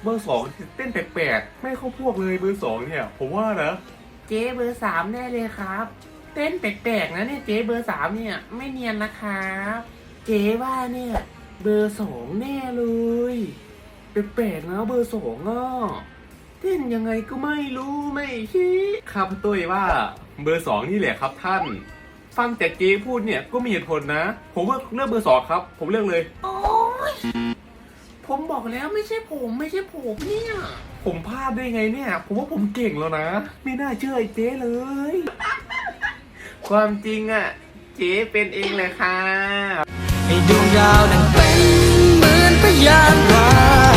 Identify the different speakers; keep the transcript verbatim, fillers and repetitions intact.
Speaker 1: เบอร์สองเต้นแปลกๆไม่เข้าพวกเลยเบอร์สองเนี่ยผมว่านะเจ๊เบอร์สามแน่เลยครับ เต้นแปลกๆนะเนี่ยเจ๊เบอร์สามเนี่ยไม่เนียนนะครับเจ๊ว่าเนี่ยเบอร์สองแน่เลยแปลกๆนะเบอร์สองอ่ะเต้นยังไงก็ไม่รู้ไม่คิดครับตุ้ยว่าเบอร์สองนี่แหละครับท่านฟังจากเจ๊พูดเนี่ยก็มีเหตุผลนะผมว่าเลือกเบอร์สองครับผมเลือกเลยโอ้ยผมบอกแล้วไม่ใช่ผมไม่ใช่ผมเนี่ยผมพลาดได้ไงเนี่ยผมว่าผมเก่งแล้วนะไม่น่าเชื่อไอ้เจ๊เลย ความจริงอ่ะเจ๊เป็นเองเลยค่ะ
Speaker 2: ให้ดวงดาวนั้นเป็นเหมือนพยานรัก